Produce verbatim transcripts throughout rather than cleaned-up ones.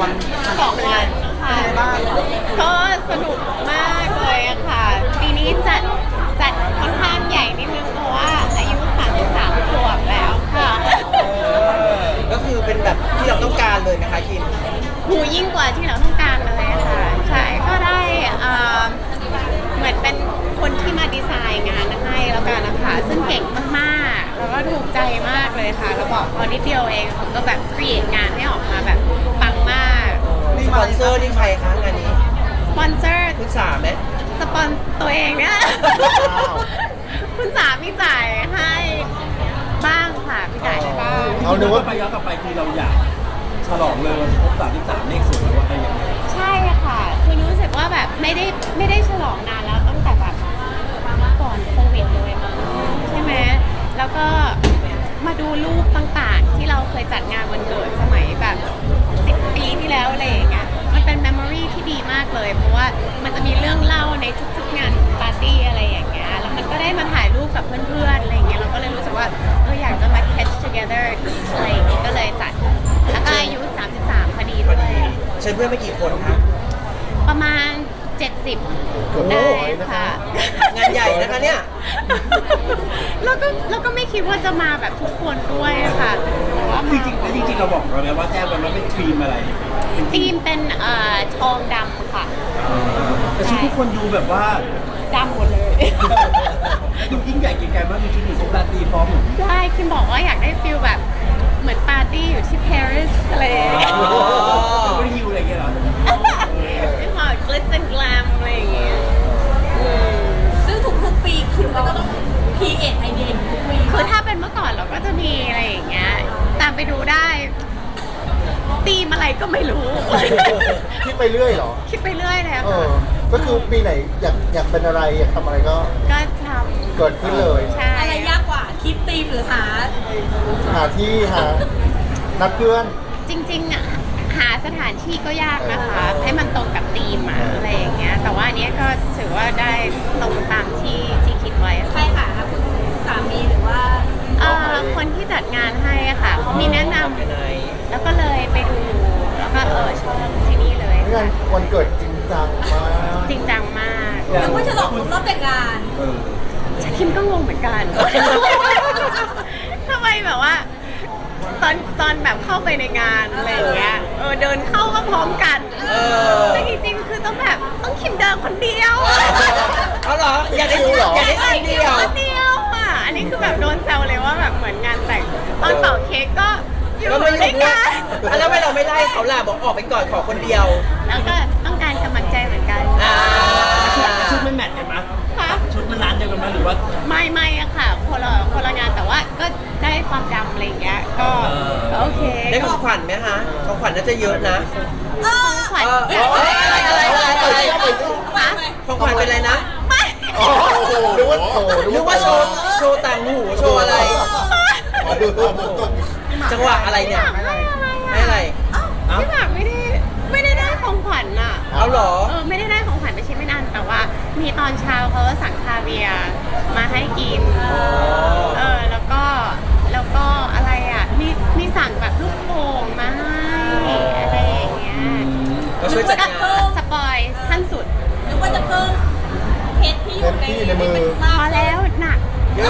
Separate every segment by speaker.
Speaker 1: วัน
Speaker 2: สองวันค่ะก็สนุกมากเลยอะค่ะปีนี้จัดจัดค่อนข้างใหญ่นิดนึงเพราะว่าอายุสามสิบสามขวบแล้วค่ะ
Speaker 1: ก็คือเป็นแบบที่เราต้องการเลยนะคะคิม
Speaker 2: หูยิ่งกว่าที่เราต้องการเลยค่ะใช่ก็ได้เอ่อเหมือนเป็นคนที่มาดีไซน์งานให้แล้วกันนะคะซึ่งเก่งมากๆแล้วก็ถูกใจมากเลยค่ะแล้วบอกพอนิดเดียวเองเขาก็แบบครีเอทงานให้ออกมาแบบปังมาก
Speaker 1: สปอนเซอร์นี่ใครคะงานนี้
Speaker 2: สปอนเซอร์
Speaker 1: คุณสามไหม
Speaker 2: สปอนตัวเองเนี่ย
Speaker 3: ว้าว
Speaker 2: คุณสามีจ่ายให้บ้างค่ะพี่จ่ายให้บ้าง
Speaker 3: เอาดูว่า
Speaker 4: ไปย้อนกลับไปคือเราอยากฉลองเลยวันครบสามสิบสามเลขสวยว่าอะไรยังไง
Speaker 2: ใช่ค่ะคือรู้สึกว่าแบบไม่ได้ไม่ได้ฉลองนานแล้วตั้งแต่แบบก่อนโควิดเลยมั้งใช่ไหมแล้วก็มาดูรูปต่างๆ ที่เราเคยจัดงานวันเกิดสมัยแบบสิบปีที่แล้วอะไรอย่างเงี้ยมันเป็นเมมโมรีที่ดีมากเลย เพราะว่ามันจะมีเรื่องเล่าในทุกๆงานปาร์ตี้อะไรอย่างเงี้ยแล้วมันก็ได้มาถ่ายรูปกับเพื่อนๆอะไรอย่างเงี้ยเราก็เลยรู้สึกว่าเอออยากจะมา catch together อะไรอย่างเงี้ยก็เลยจัดแล้วก็อายุสามสิบสามพอดีด้วย
Speaker 1: เชิญเพื่อนไปกี่คนคะ
Speaker 2: ประมาณ เจ็ดสิบ ได้ค่ะ
Speaker 1: งานใหญ่นะคะเนี่ย
Speaker 2: แล้วก็แล้วก็ไม่คิดว่าจะมาแบบทุกคนด้วยค่ะแต่ว่า
Speaker 4: จ
Speaker 2: มา
Speaker 4: ริงๆแล้วจริงๆเราบอกเราไหมว่าแจ้งไปว่าเป็นทีมอะไรเป็นที
Speaker 2: ธี
Speaker 4: ม
Speaker 2: มเป็นเอ่อทองดำค่ะ
Speaker 4: แต่ชุดทุกคนดูแบบว่า
Speaker 2: ดำหมดเลย
Speaker 4: ดูยิ่งใหญ่เก๋ไก่มากดูชุดหนูชุดราตรีพร้อมเหมือน
Speaker 2: ใช่คิมบอกว่าอยากได้ฟิลแบบเหมือนปาร์ตี้อยู่ที่ปารีสอะไรอย่างเงี้ย
Speaker 1: อ๋อ
Speaker 4: ไม่ได้ฮิวอะไรอย่างเงี้ยเหรอ
Speaker 2: ไม่พอกลิตซ์แอนด์กลมอะไรอย่างเงี้ยอืม
Speaker 5: ซึ่งทุกๆปีคิมก็ต้องพีเอทไอเดียทุกปี
Speaker 2: คือถ้าเป็นเมื่อก่อนเราก็จะมีอะไรอย่างเงี้ยตามไปดูได้ธีมอะไรก็ไม่รู้
Speaker 3: คิดไปเรื่อยเหรอ
Speaker 2: คิดไปเรื่อยเลยอะ
Speaker 3: เอ
Speaker 2: ค่ะ
Speaker 3: อ ก็คือปีไหนอยากอยากเป็นอะไรอยากทำอะไรก็
Speaker 2: ก็ท
Speaker 3: เกิดขึ้นเลย
Speaker 2: ำใช่
Speaker 5: อะไรยากกว่าคิดธีมหรือหา
Speaker 3: หาที่หานัดเพื่อน
Speaker 2: จริงๆอะหาสถานที่ก็ยากนะคะ ให้มันตรงกับธีมอะอะไรอย่างเงี้ยแต่ว่าอันเนี้ยก็ถือว่าได้ตรงตามที่ที่คิดไว้
Speaker 5: ใคร
Speaker 2: ค่ะ
Speaker 5: หาคุณสามีหรือว่า
Speaker 2: เอ่อคนที่จัดงานให้อะค่ะเขามีแนะนำ
Speaker 1: ไปไหน
Speaker 2: แล้วก็เลยไปดูแล้วก็เออชอบที่นี่เลย
Speaker 3: งานวันเกิดจริงจังมาก
Speaker 2: จริงจังมาก
Speaker 5: นึกว่าฉลองครบรอบแต่งงาน
Speaker 4: เออ
Speaker 2: คิมก็งงเหมือนกัน ทำไมแบบว่า ตอนตอนแบบเข้าไปในงานอะไรอย่างเงี้ยเออเดินเข้าก็พร้อมกัน
Speaker 1: เออ
Speaker 2: แต่จริงๆคือต้องแบบต้องคิมเดินคนเดียว
Speaker 1: เอาเหรอ อยากได้
Speaker 3: จริงเหรอ
Speaker 1: อยากได้ซีนเดียว
Speaker 2: คนเดียวอ่ะอันนี้คือแบบโดนแซวเลยว่าแบบเหมือนงานแต่งตอนเป่าเค้กก็อยู่
Speaker 1: ก็ไม่อยู่
Speaker 2: ด้วย
Speaker 1: ด้วย
Speaker 2: กัน
Speaker 1: อ่ะแล้วทำไมเราไม่ไล่เขาล่ะบอกออกไปก่อนขอคนเดียว
Speaker 2: แล้วก็ต้องการกำลังใจเหมือนกัน
Speaker 1: อ่า
Speaker 4: ชุดไม่แมทกันมั้ย
Speaker 2: ค่ะ
Speaker 4: ชุดมันร้านเดียวกันมั้ยหรือว่า
Speaker 2: ไม่ไม่อะค่ะคนละคนละงานแต่ว่าก็ได้ความดำอะไรอย่างเงี้ยก็ก็โอเค
Speaker 1: ได้ของขวัญไหมคะของขวัญน่าจะเยอะนะ
Speaker 5: เออ
Speaker 2: ขวัญ
Speaker 1: เออเอออะไรอะไรอะไรอะไร
Speaker 2: ฮะ
Speaker 1: ของขวัญเป็นอะไรนะ
Speaker 2: ไม่
Speaker 3: โอ้โหนึกว่าโอ้โห
Speaker 1: นึกว่าโชว์โชว์ต่างหูโชว์อะไร
Speaker 3: อ๋อดูดูดูดู
Speaker 1: จังหวะอะไรเนี่ย
Speaker 2: ไม่อะไร
Speaker 1: ไม่อะไร
Speaker 2: อะพี่หมากไม่ได้ไม่ได้ได้ของขวัญอ่ะ
Speaker 1: เอาเหรอ
Speaker 2: เออไม่ได้ได้ของขวัญไปชิ้นไม่นานแต่ว่า มีตอนเช้าเขาก็สั่งคาเวียร์มาให้กินเออแล้วก็แล้วก็อะไรอ่ะมีมีสั่งแบบลูกโป่งมาให้อะไรอย่างเงี้ย
Speaker 1: ก็ช่วยจัดงาน
Speaker 2: สปอยขั้นสุด
Speaker 5: นึกว่าจะเพิ่มเพชรที่อยู่ใน
Speaker 3: เพชรที่ในมือ
Speaker 2: พอแล้วหนัก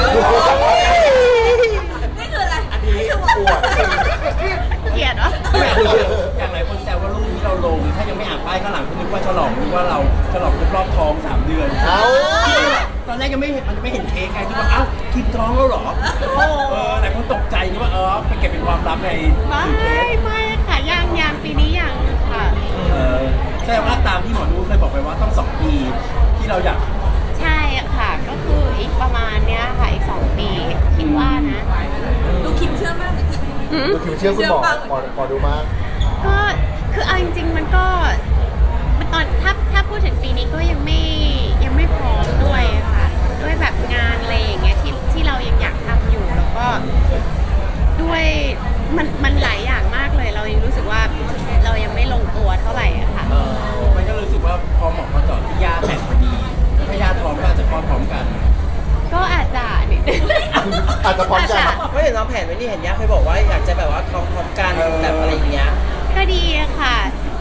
Speaker 5: นี่คืออะไรอันนี้คือ
Speaker 3: ปวด
Speaker 2: เกลียดวะ
Speaker 4: อย่างหลายคนแซวว่ารูปที่เราลงถ้ายังไม่อ่านป้ายข้างหลังคุณนึกว่าฉลองนึกว่าเราฉลองครบรอบท้องสามเดือน
Speaker 3: เอา
Speaker 4: ตอนแรกยังไม่เห็นมันจะไม่เห็นเค้กไงที่ว่าเอ้าคิมท้องแล้วเหรอเออหลายคนตกใจนึกว่าเออไปเก็บเป็นความลับใน
Speaker 2: ไม่
Speaker 4: ถือเค้ก
Speaker 2: ไม่ค่ะยังยังปีนี้ยังค่ะ
Speaker 4: เออแสดงว่าตามที่หมอดูเคยบอกไปว่าต้องสองปีที่เราอยาก
Speaker 2: ใช่ค่ะ ก็คืออีกประมาณเนี้ยค่ะ อีกสองปีคิดว่านะ
Speaker 5: ดูคิมเชื่อมาก
Speaker 2: หืม
Speaker 3: ดูคิวเชื่อคุณหมอหมอหมอดูมาก
Speaker 2: ก็คือเอาจริงๆมันก็มันตอนถ้าถ้าพูดถึงปีนี้ก็ยังไม่ยังไม่พร้อมด้วยค่ะ ด้วยแบบงานอะไรอย่างเงี้ยที่ที่เรายังอยากทำอยู่แล้วก็ด้วยมันมันหลายอย่างมากเลย เรายังรู้สึกว่าเรายังไม่ลงตัวเท่าไหร่อะค่ะ
Speaker 4: เออมันก็รู้สึกว่าพอเหมาะพอเจอดที่ย่าแต่งพอดีแล้วถ้าย่าท้องก็อาจจะคลอดพร้อมกัน
Speaker 2: ก็อาจจะนิดนึง
Speaker 3: อาจจะพร้อมกัน
Speaker 1: ไม่เห็นน้องแผนไว้นี่เห็นย่าเคยบอกว่าอยากจะแบบว่าท้องพร้อมกันแบบอะไรอย่างเงี้ย
Speaker 2: ก็ดีอะค่ะ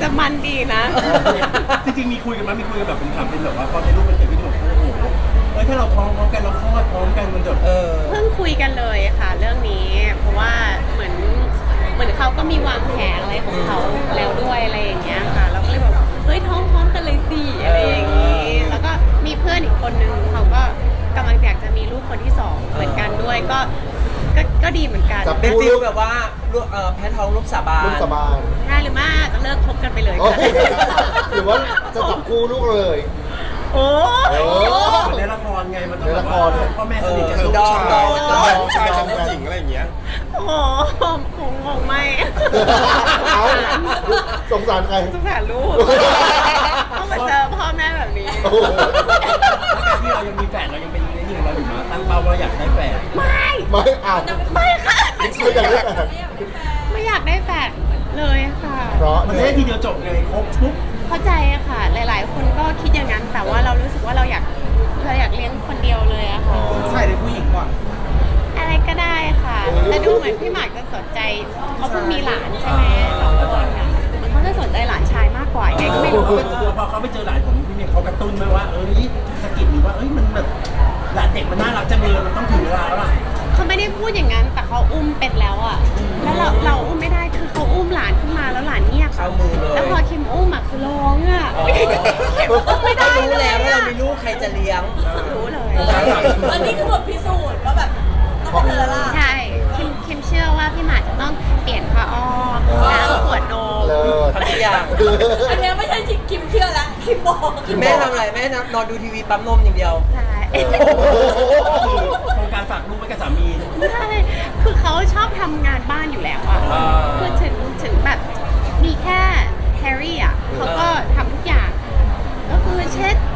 Speaker 2: จะมันดีนะ
Speaker 4: จริงๆมีคุยกันไหมมีคุยกันแบบเป็นคำเป็นแบบว่าพอในรูปมันเกิดขึ้นแบบโอ้โหเออถ้าเราพร้อมพร้อมกันเราคลอดพร้อมกันมันจะ
Speaker 1: เออ
Speaker 2: เพิ่งคุยกันเลยค่ะเรื่องนี้ เพราะว่าเหมือนเหมือนเขาก็มีวางแผนอะไรของเขาแล้วด้วยอะไรอย่างเงี้ยค่ะเราก็เลยแบบเฮ้ยท้องพร้อมกันเลยสิอะไรอย่างงี้ แล้วก็มีเพื่อนอีกคนนึงเขาก็กำลังอยากจะมีลูกคนที่สองเหมือนกันด้วยก็ก็ก็ดีเหมือนกัน
Speaker 3: จับ
Speaker 1: เป็นฟิลแบบว่าลูกเอ่อแพ้ท้องลูกสาบาน
Speaker 3: ลูกสะบาน
Speaker 2: ได้หรือไม่จะเลิกคบกันไปเลย
Speaker 3: โอ้
Speaker 2: ค่ะ
Speaker 3: หรือว่าจะจับคู่ลูกเลย
Speaker 2: โอ้
Speaker 3: โอ้
Speaker 4: เหมือนในละครไงมันต้องแบบว่าพ่อแม่สนิทกันลูก
Speaker 1: ดอง
Speaker 4: ชาย
Speaker 1: ดอง
Speaker 6: ผู้ชายกับผู้หญิงอะไรอย่างเงี้ย
Speaker 2: โหคงคงไม่
Speaker 3: เอาสงสารใคร
Speaker 2: สงสารลูกต้องมาเจอพ่อแม่แบบนี้
Speaker 3: โอ้โห
Speaker 4: การที่เรายังมีแฝดเรายังเป็นในนี่ของเราอยู่มาตั้งเป้าว่าอยากได้แฝด
Speaker 2: ไม่
Speaker 3: ไม่เอา
Speaker 2: ไม่ค่ะ
Speaker 3: ไม่อยากได้แฟน
Speaker 2: ไม่อยากได้แฟนเลยค่ะ
Speaker 3: เพราะ
Speaker 4: มันจะได้ทีเดียวจบไงครบปุ๊บ
Speaker 2: เข้าใจอะค่ะ หลาย ๆ คนก็คิดอย่างนั้น แต่ว่าเรารู้สึกว่าเราอยากเราอยากเลี้ยงคนเดียวเลยอะค่ะ
Speaker 1: ใช่เลยผู้หญิงก่อน
Speaker 2: อะไรก็ได้ค่ะแต่ดูเหมือนพี่หมากจะสนใจเขาเพิ่งมีหลานใช่ไหมสองคนอะเหมันเขาจะสนใจหลานชายมากกว่ายังไงก็ไม่รู้
Speaker 4: พอเขาไปเจอหลานของพี่เมย์เขากระตุ้นไหมว่าเอ้ยสะกิดหรือว่าเอ้ยมันแบบหลานเด็กมันน่ารักจังเลยมันต้องถึงเวลาแล้วล่ะ
Speaker 2: เขาไม่ได้พูดอย่างนั้น แต่เขาอุ้มเป็นแล้วอะแล้วเราเราอุ้มไม่ได้คือเขาอุ้มหลานขึ้นมาแล้วหลานเงียบ
Speaker 1: เข้ามือเลย
Speaker 2: แล้วพอคิมอุ้มอะคือร้องอะ
Speaker 1: อ๋อ
Speaker 2: คิมอุ้มไม่ได้
Speaker 1: รู้
Speaker 2: เล
Speaker 1: แล้ว
Speaker 2: ย
Speaker 1: ถ้า
Speaker 2: อะ
Speaker 1: เรามีลูกใครจะเลี้ยง
Speaker 2: รู้เลย
Speaker 5: อันนี้คือบทพิสูจน์ว่าแบบต้องเป็นแล้วล่ะ
Speaker 2: ใช่คิมคิมเชื่อว่าพี่หมากจะต้องเปลี่ยนผ้าอ้อมล้างขวดนม
Speaker 3: เลิศ
Speaker 1: ทำทุกอย่าง
Speaker 5: อันเนี้ยไม่ใช่คิมเชื่อแล้วคิมบอก
Speaker 1: แม่ทำอะไรแม่นอนดูทีวีปั๊มนมอย่างเดียว
Speaker 2: ใช่
Speaker 4: โครงการฝากลูกไว้กับสามี
Speaker 2: ใช่คือเขาชอบทำงานบ้านอยู่แล้วอะ
Speaker 1: อ่า
Speaker 2: คือถึงถึงแบบมีแค่แฮร์รี่อะเขาก็ทำทุกอย่าง ก็คือเช็ด